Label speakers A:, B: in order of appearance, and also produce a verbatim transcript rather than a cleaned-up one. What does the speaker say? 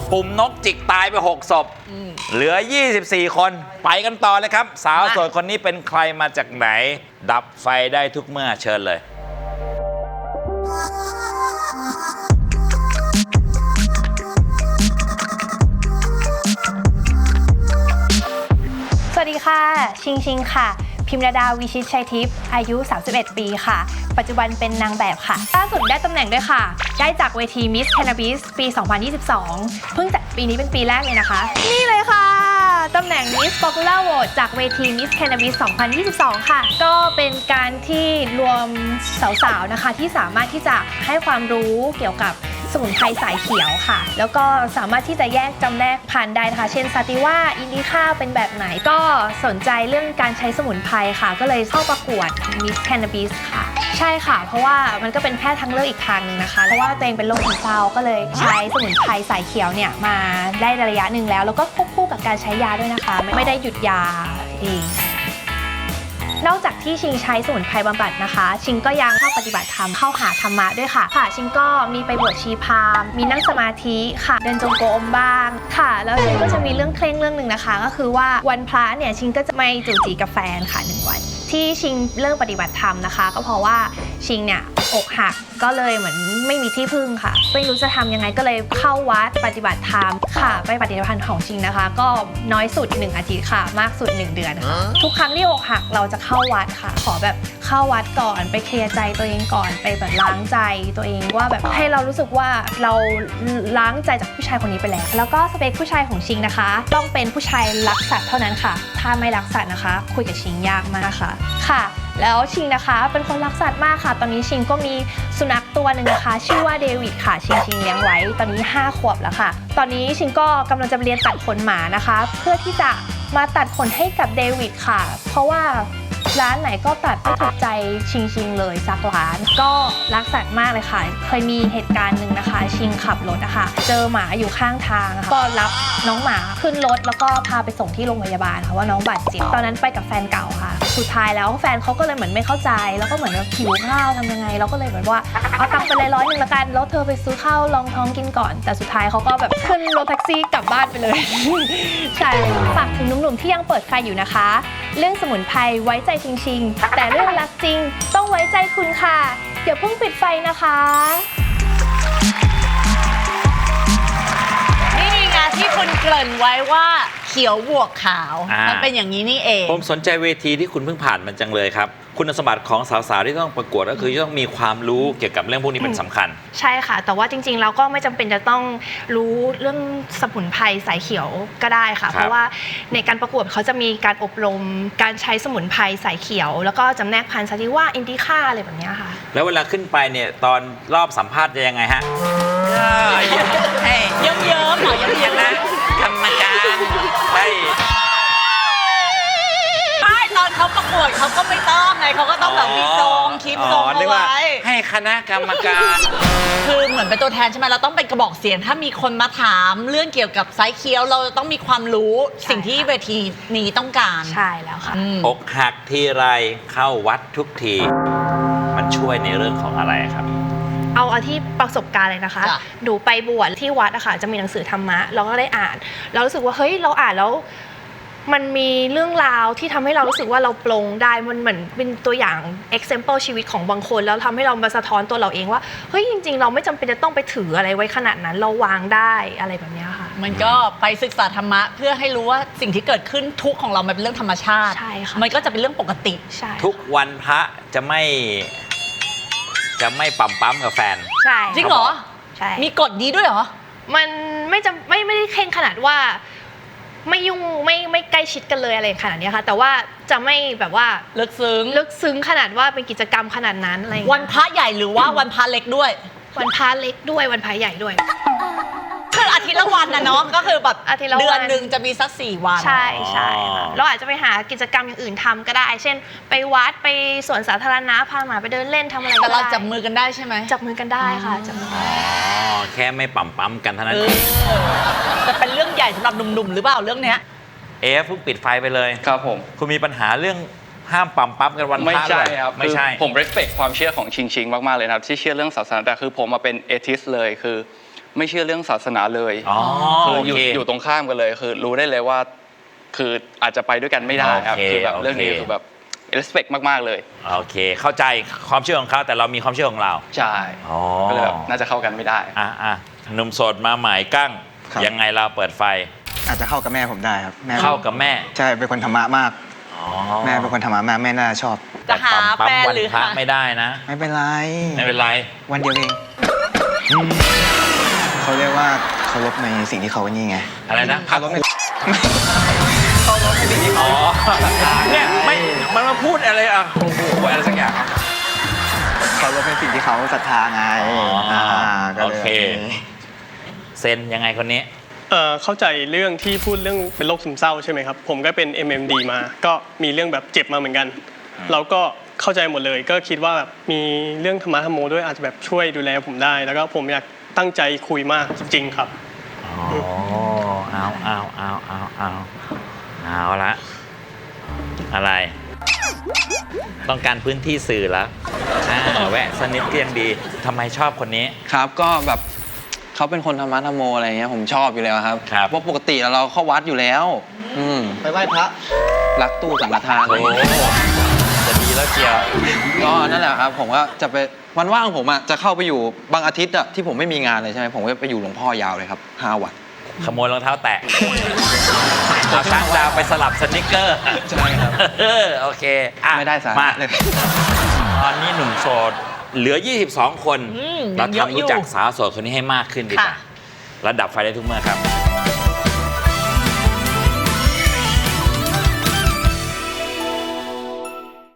A: ปุ่มนกจิกตายไปหกศพเหลือยี่สิบสี่คนไปกันต่อเลยครับสาวโสดคนนี้เป็นใครมาจากไหนดับไฟได้ทุกเมื่อเชิญเลย
B: สวัสดีค่ะชิงชิงค่ะพิมรดาวิชิตชัยทิพย์อายุสามสิบเอ็ดปีค่ะปัจจุบันเป็นนางแบบค่ะล่าสุดได้ตำแหน่งด้วยค่ะได้จากเวที Miss Cannabis ปี สองพันยี่สิบสอง เพิ่งจัดปีนี้เป็นปีแรกเลยนะคะนี่เลยค่ะตำแหน่ง Miss Popular Vote จากเวที Miss Cannabis สองพันยี่สิบสอง ค่ะก็เป็นการที่รวมสาวๆนะคะที่สามารถที่จะให้ความรู้เกี่ยวกับสมุนไพรสายเขียวค่ะแล้วก็สามารถที่จะแยกจำแนกพันธุ์ได้นะคะเช่นซาติว่าอินดิค่าเป็นแบบไหนก็สนใจเรื่องการใช้สมุนไพรค่ะก็เลยเข้าประกวด Miss Cannabis ค่ะใช่ค่ะเพราะว่ามันก็เป็นแพทย์ทางเลือกอีกทางนึงนะคะเพราะว่าตัวเองเป็นโรคซึมเศร้าก็เลยใช้สมุนไพรสายเขียวเนี่ยมาได้ระยะหนึ่งแล้วแล้วก็ควบคู่กับการใช้ยาด้วยนะคะไม่ได้หยุดยาเองนอกจากที่ชิงใช้สมุนไพรบำบัดนะคะชิงก็ยังเข้าปฏิบัติธรรมเข้าหาธรรมะด้วยค่ะค่ะชิงก็มีไปบวชชีพราหมณ์มีนั่งสมาธิค่ะเดินจงกรมบ้างค่ะแล้วชิงก็จะมีเรื่องเคร่งเรื่องหนึ่งนะคะก็คือว่าวันพระเนี่ยชิงก็จะไม่จูจีกับแฟนค่ะหนึ่งวันที่ชิงเริ่มปฏิบัติธรรมนะคะก็เพราะว่าชิงเนี่ยอกหักก็เลยเหมือนไม่มีที่พึ่งค่ะไม่รู้จะทำยังไงก็เลยเข้าวัดปฏิบัติธรรมค่ะไปปฏิบัติธรรมของชิงนะคะก็น้อยสุดหนึ่งอาทิตย์ค่ะมากสุดหนึ่งเดือนค่ะทุกครั้งที่อกหักเราจะเข้าวัดค่ะขอแบบเข้าวัดก่อนไปเคลียร์ใจตัวเองก่อนไปแบบล้างใจตัวเองว่าแบบให้เรารู้สึกว่าเราล้างใจจากผู้ชายคนนี้ไปแล้วแล้วก็สเปคผู้ชายของชิงนะคะต้องเป็นผู้ชายรักสัตว์เท่านั้นค่ะถ้าไม่รักสัตว์นะคะคุยกับชิงยากมากค่ะค่ะแล้วชิงนะคะเป็นคนรักสัตว์มากค่ะตอนนี้ชิงก็มีสุนัขตัวหนึ่งนะคะชื่อว่าเดวิดค่ะชิงชิงเลี้ยงไว้ตอนนี้ห้าขวบแล้วค่ะตอนนี้ชิงก็กำลังจะเรียนตัดขนหมานะคะเพื่อที่จะมาตัดขนให้กับเดวิดค่ะเพราะว่าร้านไหนก็ตัดไม่ถูกใจชิงชิงเลยสักร้านก็รักสัตว์มากเลยค่ะเคยมีเหตุการณ์หนึ่งนะคะชิงขับรถนะคะเจอหมาอยู่ข้างทางก็รับน้องหมาขึ้นรถแล้วก็พาไปส่งที่โรงพยาบาลค่ะว่าน้องบาดเจ็บตอนนั้นไปกับแฟนเก่าค่ะสุดท้ายแล้วแฟนเขาก็เลยเหมือนไม่เข้าใจแล้วก็เหมือนว่าหิวข้าวทำยังไงเราก็เลยเหมือนว่าเอาตังค์ไปเลยร้อยหนึ่งละกันแล้วเธอไปซื้อข้าวรองท้องกินก่อนแต่สุดท้ายเขาก็แบบขึ้นรถแท็กซี่กลับบ้านไปเลยใช่ฝากถึงหนุ่มๆที่ยังเปิดไฟอยู่นะคะเรื่องสมุนไพรไว้ใจจริงๆแต่เรื่องรักจริงต้องไว้ใจคุณค่ะอย่าเพิ่งปิดไฟนะคะ
C: นี่ไงที่คุณเกริ่นไว้ว่าเขียวบวกขาว
A: อ่ามั
C: มันเป็นอย่างนี้นี่เอง
A: ผมสนใจเวทีที่คุณเพิ่งผ่านมันจังเลยครับคุณสมบัติของสาวๆที่ต้องประกวดก็คือต้องมีความรู้เกี่ยวกับเรื่องพวกนี้เป็นสำคัญ
B: ใช่ค่ะแต่ว่าจริงๆเราก็ไม่จำเป็นจะต้องรู้เรื่องสมุนไพรสายเขียวก็ได้ค่ะเพราะว่าในการประกวดเขาจะมีการอบรมการใช้สมุนไพรสายเขียวแล้วก็จำแนกพันธุ์ซาติว่าอินดิค่าอะไรแบบนี้ค่ะ
A: แล้วเวลาขึ้นไปเนี่ยตอนรอบสัมภาษณ์จะยังไงฮะ
C: เยิ้มเยิ้มหน่อยเยิ้มเยิ้มนะ
A: กรรมการใช่
C: ตอนเขาประกวดเขาก็ไม่ต้องไงเขาก็ต้องแบบมีทรงคลิปทรงเอาไว้
A: ให้คณะกรรมการ
C: คือเหมือนเป็นตัวแทนใช่ไหมเราต้องเป็นกระบอกเสียงถ้ามีคนมาถามเรื่องเกี่ยวกับไซส์เคี้ยวเราต้องมีความรู้สิ่งที่เวทีนี้ต้องการ
B: ใช่แล้วค่ะ
A: อกหักทีไรเข้าวัดทุกทีมันช่วยในเรื่องของอะไรครับ
B: เอาเอาที่ประสบการณ์เลยนะคะหนูไปบวชที่วัดอะค่ะจะมีหนังสือธรรมะเราก็ได้อ่านเรารู้สึกว่าเฮ้ยเราอ่านแล้วมันมีเรื่องราวที่ทำให้เรารู้สึกว่าเราปลงได้มันเหมือนเป็นตัวอย่าง example ชีวิตของบางคนแล้วทำให้เรามาสะท้อนตัวเราเองว่าเฮ้ยจริงๆเราไม่จำเป็นจะต้องไปถืออะไรไว้ขนาดนั้นเราวางได้อะไรแบบนี้ค่ะ
C: มันก็ไปศึกษาธรรมะเพื่อให้รู้ว่าสิ่งที่เกิดขึ้นทุกของเรามันเป็นเรื่องธรรมชาติ
B: ใช่ค่ะ
C: มันก็จะเป็นเรื่องปกติ
B: ใช่
A: ทุกวันพระจะไม่จะไม่ปั๊มปั๊มกับแฟน
B: ใช่
C: จริงเหรอ
B: ใช่
C: มีกฎนี้ด้วยเหรอ
B: มันไม่จำไม่ไม่ได้เคร่งขนาดว่าไม่ยุ่งไม่ไม่ใกล้ชิดกันเลยอะไรขนาดนี้ค่ะแต่ว่าจะไม่แบบว่า
C: ลึกซึ้ง
B: ลึกซึ้งขนาดว่าเป็นกิจกรรมขนาดนั้นอะไร
C: วันพระใหญ่หรือว่าวันพระเล็กด้วย
B: วันพระเล็กด้วยวันพระใหญ่ด้วย
C: คืออาทิตย์ละวันนะเนาะก็คือแบบเดือนหนึ่งจะมีสักสี่วัน
B: ใช่ใช่ค่ะเราอาจจะไปหากิจกรรมอย่างอื่นทำก็ได้เช่นไปวัดไปสวนสาธารณะพาหมาไปเดินเล่นทำอะไรก็ได้
C: แต่เราจับมือกันได้ใช่ไหม
B: จับมือกันได้ค่ะจับมืออ๋
A: อแค่ไม่ปั๊มปั๊มกันเท่านั้นเอง
C: แต่เป็นเรื่องใหญ่สำหรับหนุ่มๆหรือเปล่าเรื่องเนี้ย
A: เอฟเพิ่งปิดไฟไปเลย
D: ครับผม
A: คุณมีปัญหาเรื่องห้ามปั๊มปั๊มกันวันพระ
D: ไม่ใช่ครับ
A: ไม่ใช่
D: ผม respect ความเชื่อของชิงชิงมากๆเลยนะครับที่เชื่อเรื่องศาสนาแต่คือผมมาเป็นเอทิสเลยคือไม่เชื่อเรื่องศาสนาเลย
A: อ๋อ
D: คือ
A: โอ
D: อยู่
A: เค
D: อยู่ตรงข้ามกันเลยคือรู้ได้เลยว่า คืออาจจะไปด้วยกันไม่ได้ครับ
A: โอเค
D: คือแบบเรื่องนี้
A: โอเค
D: คือแบบ respect มากๆเลย
A: โอเค เข้าใจความเชื่อของเขาแต่เรามีความเชื่อของเรา
D: ใช่
A: อ๋อ
D: ก็เลยแบบน่าจะเข้ากันไม่ได้
A: อ่ะอ่ะหนุ่มโสดมาหมายกั้ง
E: ครับ
A: ยังไงเราเปิดไฟ
E: อาจจะเข้ากับแม่ผมได้ครับแม่
A: เข้ากับแม่
E: ใช่เป็นคนธรรมะมาก
A: อ๋อ
E: แม่เป็นคนธรรมะมากแม่น่าจะชอบ
C: จะหา
A: ปั๊ม
C: แฟน
A: วัน
C: หรือ
A: พระ
C: หา
A: ไม่ได้นะ
E: ไม่เป็นไร
A: ไม่เป็นไร
E: วันเดียวเองเขาเรียกว่าเคารพในสิ่งที่เขานี่ไง
A: อะไรนะ
E: เคารพใน
A: อ๋อเนี่ยไม่มันมาพูดอะไรอ่ะโอ้โหอะไรสักอย่าง
E: เคารพในสิ่งที่เขาศรัทธาไง
A: อ๋ออ่
E: าก็ลย
A: โอเค เซนยังไงคนนี้
F: เอ่อเข้าใจเรื่องที่พูดเรื่องเป็นโรคซึมเศร้าใช่ไหมครับ ผมก็เป็น เอ็ม เอ็ม ดี มา ก็มีเรื่องแบบเจ็บมาเหมือนกัน เราก็เข้าใจหมดเลย ก็คิดว่าแบบมีเรื่องธรรมะธรรมโมด้วยอาจจะแบบช่วยดูแลผมได้ แล้วก็ผมอยากตั้งใจคุยมากจริงๆครับ
A: อ๋อ เอาเอาเอาเอาเอาเอาละ อะไร ต้องการพื้นที่สื่อแล้วอ่าแวะสกนิดก็ยังดีทำไมชอบคนนี้
G: ครับก็แบบเขาเป็นคนธรรมะธรรมโมอะไรเงี้ยผมชอบอยู่แล้วครับ
A: ครับ
G: เพราะปกติเราเข้าวัดอยู่แล้ว อืม
E: ไปไหว้พระ
G: รักตู้สังฆทานอะไร
A: โอ้
G: เงี้ย
A: จะดีแล้วเชียว
G: ก็นั่นแหละครับผมก็จะไปวันว่างผมอ่ะจะเข้าไปอยู่บางอาทิตย์อ่ะที่ผมไม่มีงานเลยใช่ไหมผมก็ไปอยู่หลวงพ่อยาวเลยครับห้าวัน
A: ขโมยรองเท้าแตะเอาช่างดาวไปสลับสนิกเกอร์
G: ใช่ครับ
A: เออโอเคอ่ะ
G: ไม่ได้สาระ
A: มา
G: เลย
A: ตอนนี้หนุ่มโสดเหลือ ยี่สิบสอง คน
C: อืม
A: เรา
C: ยังเยอะ
A: ทำ
C: อยู่
A: รู้จักสาวโสดคนนี้ให้มากขึ้นดีกว่า
C: ค่ะ
A: ระดับไฟได้ทุกเมื่อครับ